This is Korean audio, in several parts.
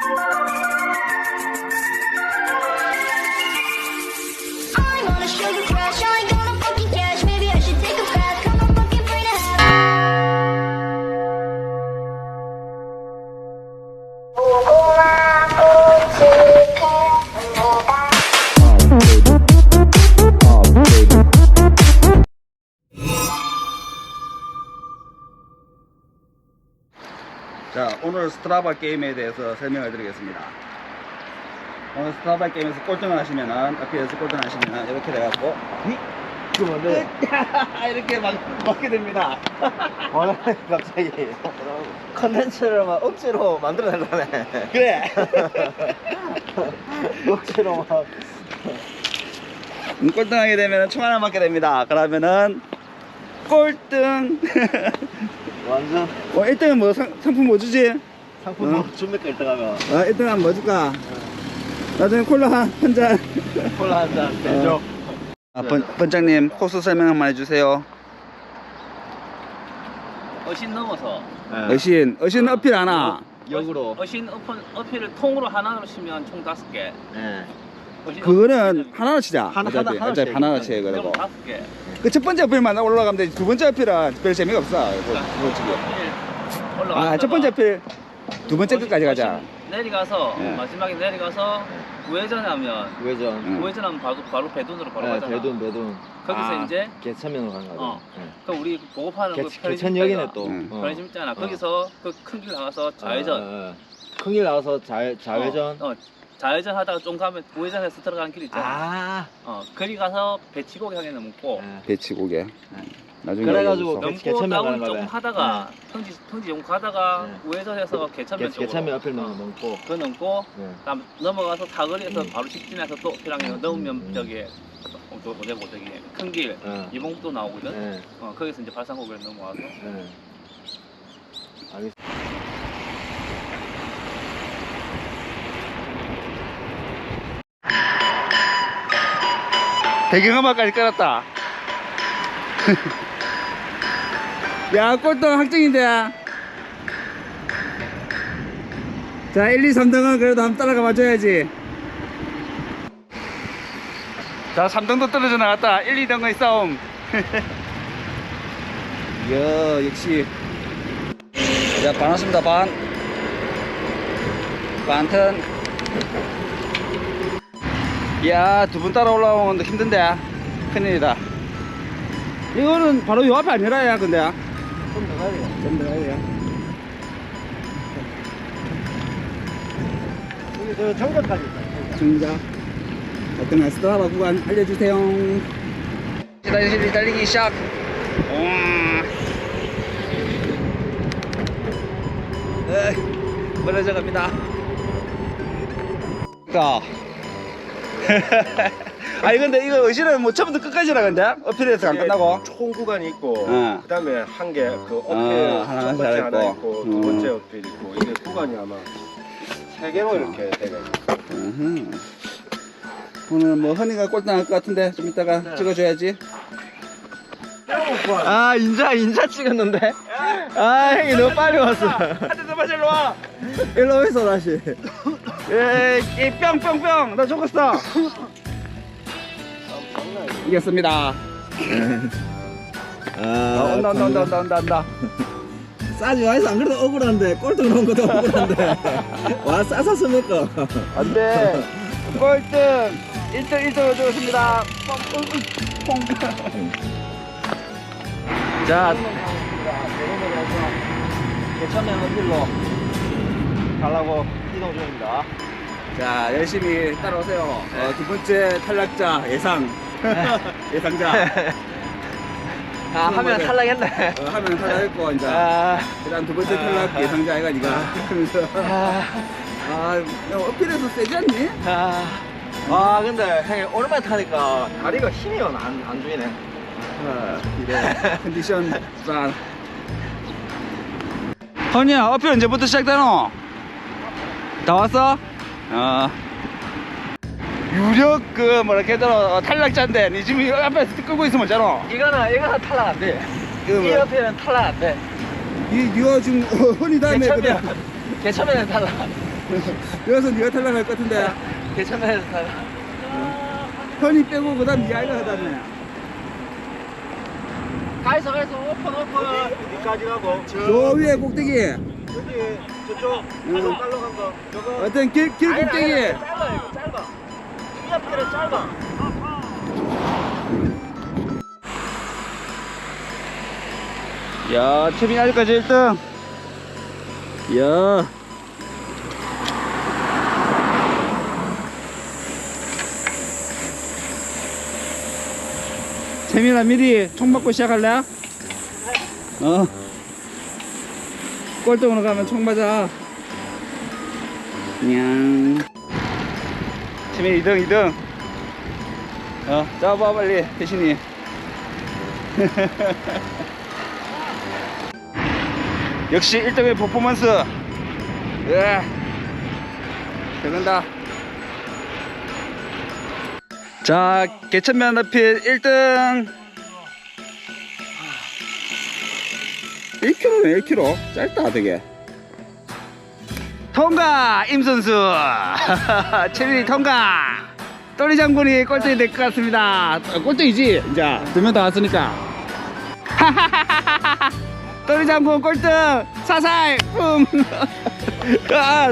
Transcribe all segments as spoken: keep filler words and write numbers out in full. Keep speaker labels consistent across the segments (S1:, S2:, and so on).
S1: 자, 오늘 스트라바 게임에 대해서 설명을 드리겠습니다. 오늘 스트라바 게임에서 꼴등을 하시면은, 앞에서 꼴등을 하시면은, 이렇게 돼갖고, 그러면 네. 이렇게 막, 맞게 됩니다.
S2: 와, 갑자기 컨텐츠를 막 억지로 만들어낸다네.
S1: 그래!
S2: 억지로 막.
S1: 음, 꼴등하게 되면은 총 하나 맞게 됩니다. 그러면은, 꼴등!
S2: 완전
S1: 어, 일 등은 뭐, 상, 상품 뭐 주지?
S2: 상품
S1: 어?
S2: 뭐 준비가 일 등 하면
S1: 어, 일 등은 뭐 줄까? 나중에 콜라 한, 한 잔.
S2: 콜라 한 잔 대죠.
S1: 아, 번, 번장님, 코스 설명 한번 해주세요.
S3: 어신 넘어서
S2: 네.
S1: 어신, 어신 어필 하나.
S2: 역으로.
S3: 어신 어필, 어필을 통으로 하나로 치면 총 다섯 개.
S2: 네.
S3: 어신
S1: 그거는
S3: 어필을
S1: 하나로 치자.
S2: 하나,
S1: 어차피,
S2: 하나,
S1: 어차피
S2: 하나씩
S1: 하나로 치야
S3: 그럼
S1: 그리고.
S3: 다섯 개.
S1: 그 첫 번째 어필만 올라가면 되지. 두 번째 어필은 별 재미가 없어. 이거,
S3: 그러니까
S1: 이거 지금.
S3: 올라갔다가
S1: 아, 첫 번째 어필 두 번째 끝까지 가자.
S3: 어신 내려가서
S1: 예.
S3: 마지막에 내려가서 우회전하면
S2: 우회전.
S1: 응.
S3: 우회전하면 바로 바로 배돈으로 바로
S2: 네,
S3: 가잖아.
S2: 배돈 배돈.
S3: 거기서
S1: 아.
S3: 이제
S2: 개천면으로 가는 거죠.
S3: 어.
S2: 네.
S3: 그 우리 보급하는 그
S2: 개,
S3: 편의점
S2: 개천역이네
S3: 있잖아.
S2: 또.
S1: 응.
S2: 어.
S3: 편의점 있잖아.
S2: 어.
S3: 거기서 그 큰 길 나가서 좌회전.
S2: 어, 어, 어. 큰길 나와서 좌, 좌회전.
S3: 어, 어, 좌회전 하다가 좀 가면 우회전해서 들어가는 길 있잖아.
S2: 아.
S3: 어, 거기 가서 배치고기 향해 넘고
S2: 네.
S1: 배치고개. 나중에
S2: 그래가지고
S1: 알려줘서.
S2: 개-
S3: 넘고
S2: 개천면
S3: 다운
S2: 가는
S3: 조금
S2: 거네.
S3: 하다가 평지 평지 좀 가다가
S2: 네.
S3: 우회전해서 개천면
S2: 개,
S3: 쪽으로
S2: 개천면 앞을 넘고.
S3: 그 넘고
S2: 네.
S3: 다음 넘어가서 사거리에서
S2: 음.
S3: 바로 직진해서 또 어필하게 넘으면
S2: 음.
S3: 저기 어디 어디 저기 큰길
S2: 네.
S3: 이봉도 나오거든.
S2: 네.
S3: 어, 거기서 이제 발산고개를 넘어와서
S2: 네. 알겠습니다.
S1: 배경음악까지 깔았다. 야, 꼴등 확정인데. 자, 일, 이, 삼 등은 그래도 한번 따라가 봐줘야지. 자, 삼 등도 떨어져 나갔다. 일, 이 등의 싸움. 이야, 역시. 자, 반 왔습니다, 반. 반턴. 이야, 두 분 따라 올라오는 것도 힘든데. 큰일이다. 이거는 바로 요 앞에 아니라, 야, 근데.
S2: 좀 더 가야 돼요.
S1: 좀 더 가야 돼요.
S2: 여기 저 정전까지 있다.
S1: 중자 어떤 스트라바 구간 알려주세요. 달리기 달리기 시작. 에, 멀어져 갑니다. 가. 아니 근데 이거 의실은 뭐 처음부터 끝까지라 근데 어필에서 안 끝나고.
S4: 총 구간이 있고
S1: 어.
S4: 그 다음에 한 개 그 어필
S1: 어, 하나
S4: 첫 번째 하나
S1: 잘했고.
S4: 있고
S1: 음.
S4: 두 번째 어필 있고 이게 구간이 아마 세 개로 이렇게 되네.
S1: 으흠. 오늘 뭐 허니가 꼴등할 것 같은데 좀 이따가 찍어줘야지.
S2: 아, 인자, 인자 찍었는데? 아, 형이 너무 빨리 왔어.
S1: 한대 더 맞아 일로 와.
S2: 일로 오있어, 다시.
S1: 에이 뿅뿅뿅 나 죽었어. 이겼습니다.
S2: 아,
S1: 아, 온다 온다 온다 온다 온다 온다.
S2: 싸지 마이서 안 그래도 억울한데, 꼴등 나온 것도 억울한데. 와, 싸서 먹어.
S1: 안돼. 꼴등 일 등 일 등을 주었습니다. 뽕. 자
S2: 개천면 어필로 가려고 이동 중입니다.
S1: 자 열심히 따라오세요. 어, 두 번째 탈락자 예상. 예상자.
S2: 아, 하면 탈락했네.
S1: 어, 하면 탈락했고 이제
S2: 아,
S1: 그다음 두 번째 탈락 예상자 아이가 니가. 그러면서
S2: 아,
S1: 아 야, 어필해서 세지 않니?
S2: 아. 아, 근데 형이 오랜만에 타니까 다리가 힘이 안, 안 주이네.
S1: 어, 이래 컨디션 짠. 허니야 어필 언제부터 시작되노? 다 왔어? 어. 유력 그 뭐라 해더라 탈락자인데 니 지금 이거 앞에서 끌고 있으면 어쩌노?
S2: 이거는, 이거는 탈락 안 돼.
S1: 이거
S2: 이
S1: 뭐야?
S2: 옆에는 탈락 안 돼.
S1: 니 니가 지금 허니 다음에
S2: 개천면, 개천면은 탈락.
S1: 여기서 네가 탈락할 것 같은데.
S3: 괜찮아요, 잘.
S1: 현이 빼고 그다음 네가 이거 하다네.
S3: 가이소, 가이소, 오픈, 오픈.
S4: 어디까지 가고?
S1: 저 위에 꼭대기.
S4: 여기 저쪽
S1: 응.
S4: 깔로 간 거. 저거.
S1: 어떤 길, 길
S4: 아니, 아니,
S1: 꼭대기.
S4: 아니, 짧아 이거 짧아. 이 앞길은 짧아.
S1: 야, 채민이 아직까지 일 등. 야. 채민아, 미리 총 맞고 시작할래? 어. 꼴등으로 가면 총 맞아. 냥. 채민이 이 등, 이 등. 어, 잡아, 빨리, 대신이. 역시 일 등의 퍼포먼스. 예. 들어간다. 자, 개천면 어필 일 등. 일 킬로미터네, 일 킬로미터. 짧다, 되게. 통과! 임선수! 채민이 통과! 또리 장군이 꼴등이 될 것 같습니다. 아, 꼴등이지? 이제 두 명 다 왔으니까. 또리 장군 꼴등! 사살! 뿜! 아.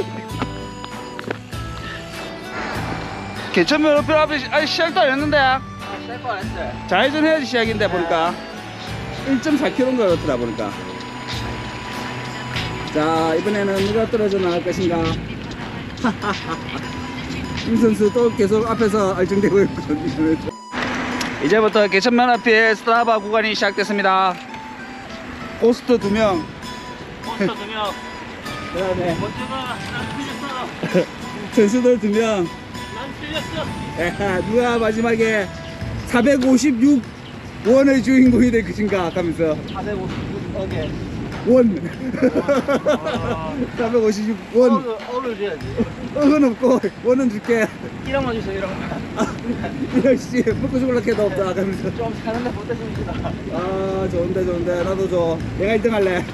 S1: 개천면 어필 앞에 시- 아니, 시작도 안 했는데.
S3: 셀거 안 했어요.
S1: 좌회전 해야지 시작인데 보니까 일 점 사 킬로미터인가 그렇더라 보니까. 자, 이번에는 누가 떨어져 나갈 것인가. 임 선수 또 계속 앞에서 알증되고 있거든요. 이제부터 개천면 앞에 스트라바 구간이 시작됐습니다. 고스트 두 명,
S3: 몬스터 두 명.
S1: 그 다음에
S3: 먼저가 난 틀렸어.
S1: 선수들 두 명.
S3: 난 틀렸어.
S1: 야, 누가 마지막에 사백오십육 원의 주인공이 될 것인가 하면서
S3: 사백오십육 억에.
S1: 원. 사백오십육 원.
S3: 억을 줘야지.
S1: 억은 없고 원은 줄게.
S3: 일억만 주세요, 일억.
S1: 이럴씨 먹고 죽을라 해도 없다 하면서.
S3: 좀 사는데 못했습니다.
S1: 아, 좋은데 좋은데 나도 줘. 내가 일 등 할래.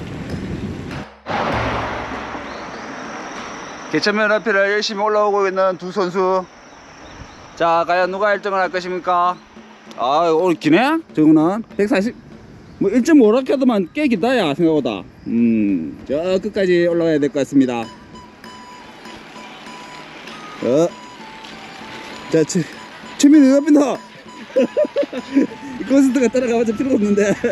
S1: 개천면 앞에를 열심히 올라오고 있는 두 선수. 자, 과연 누가 일 등을 할 것입니까? 아, 오늘 기네? 저거는 백사십, 뭐 일 점 오 락해도만 꽤 기다, 야, 생각보다. 음, 저 끝까지 올라가야 될 것 같습니다. 어. 자, 최, 최민이 왜 앞인다? 이 콘서트가 따라가봤자 필요가 없는데.
S4: 야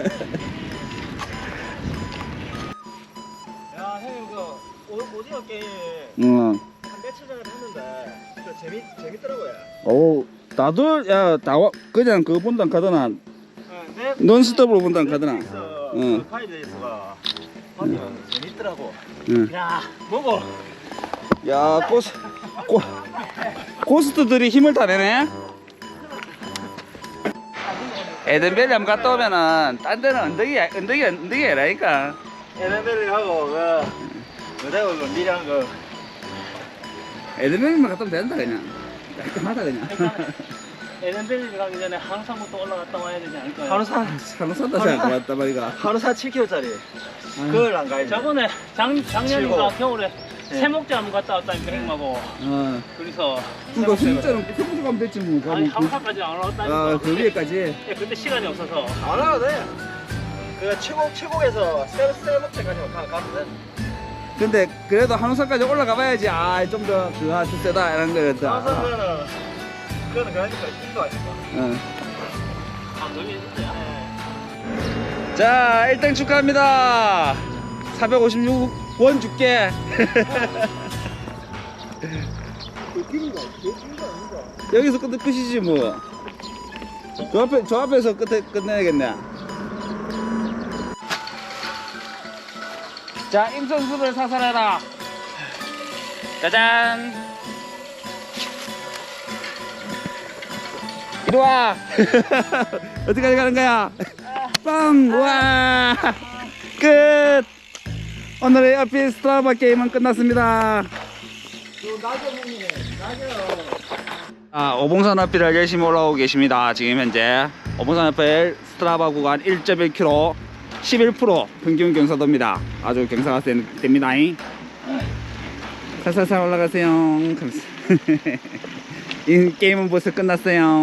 S4: 형님 그 오- 오징어 게임
S1: 응.
S4: 한 며칠 전에 봤는데 그 재밌 재밌더라고요.
S1: 오, 나도, 야, 나와, 그냥 그거 본단 가더나.
S4: 네, 넷-
S1: 논스톱으로 본단 가더나.
S4: 넷플릭스
S1: 응.
S4: 그 파이브데이스가 하면 재밌더라고.
S1: 응.
S4: 야 먹어.
S1: 야, 고스, 고, 고스트들이 힘을 다 내네. 에덴벨리 한번 갔다 오면은, 딴 데는 언덕이, 언덕이, 언덕이 아니라니까.
S4: 에덴벨리하고 그 그대로 그 미랑 그
S1: 에덴벨리만 갔다 오면 된다, 그냥. 깔끔하다, 그냥.
S3: 에덴벨리 가기 전에 항상부터 올라갔다 와야 되지 않을까요?
S4: 한우사
S1: 산호산다 생각 왔다 말이가.
S4: 한우사 칠 킬로미터짜리 그걸 안 가야 돼.
S3: 저번에 작, 작년인가
S4: 칠곡.
S3: 겨울에
S4: 네.
S3: 세목재 한번 갔다 왔다니까 형님하고.
S1: 어.
S3: 그래서
S1: 그거 진짜로 평소 가면 됐지, 뭐.
S3: 아니
S1: 가면 그-
S3: 항상까지 안 올라갔다니까.
S1: 아, 그 위에까지.
S3: 예, 근데 시간이 없어서.
S4: 안 와도 돼. 그 최고 최고에서 세 세목째까지만 가 가면 돼.
S1: 근데 그래도 한우산까지 올라가 봐야지. 아, 좀 더 그 하트 세다 이런 거였다.
S4: 한우사는 그거는 그러니까 인도 아니까.
S1: 어.
S3: 아, 너무 했어요.
S1: 자, 일 등 축하합니다. 사백오십육 원 줄게. 여기서 끝 끝이지 뭐. 저 앞에 저 앞에서 끝에 끝내야겠네. 자, 임선수를 사살해라. 짜잔. 이리 와. 어디까지 가는 거야? 빵! 와! 끝! 오늘의 어필 스트라바 게임은 끝났습니다. 아, 오봉산 어필을 열심히 올라오고 계십니다. 지금 현재 오봉산 어필 스트라바 구간 일 점 일 킬로미터 십일 퍼센트 평균 경사도입니다. 아주 경사가 센- 됩니다. 살살살 올라가세요. 감사. 이 게임은 벌써 끝났어요.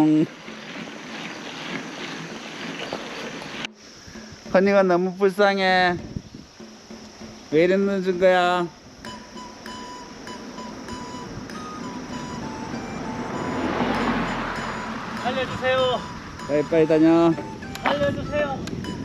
S1: 허니가 너무 불쌍해. 왜 이래 늦은 거야?
S3: 알려주세요.
S1: 빨리빨리 다녀.
S3: 알려주세요.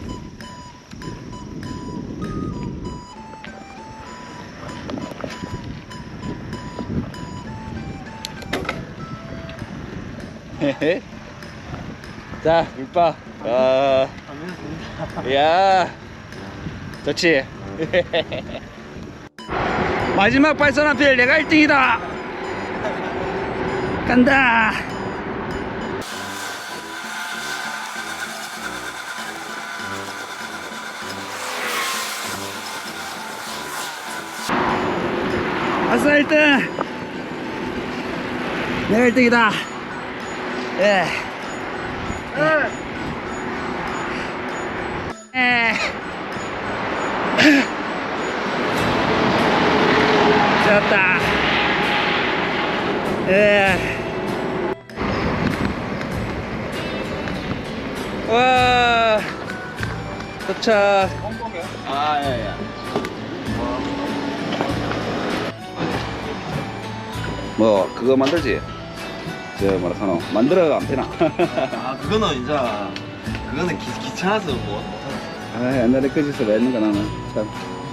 S1: 자, 물바. 아, 야, 좋지. 마지막 발선 앞에 내가 일 등이다. 간다. 아싸 일 등. 내가 일 등이다. 예. 에. 좋았다. 예. 와. 도착. 아, 예, 예. 뭐 그거 만들지? 저 뭐라 카노 만들어 안 되나?
S2: 아 그거는 이제 그거는 기, 귀찮아서 뭐 못하겠어.
S1: 아 옛날에 그 짓을 왜 했는가 나는 참.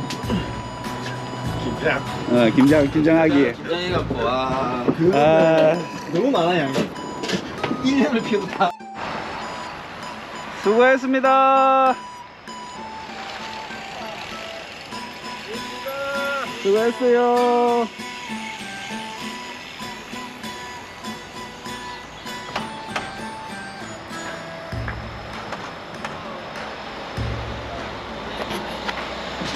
S2: 김장.
S1: 어 김장 김장하기.
S2: 김장해갖고 와 그거
S1: 아
S2: 너무 많아 양이. 일 년을 피우다.
S1: 수고했습니다. 수고했어요.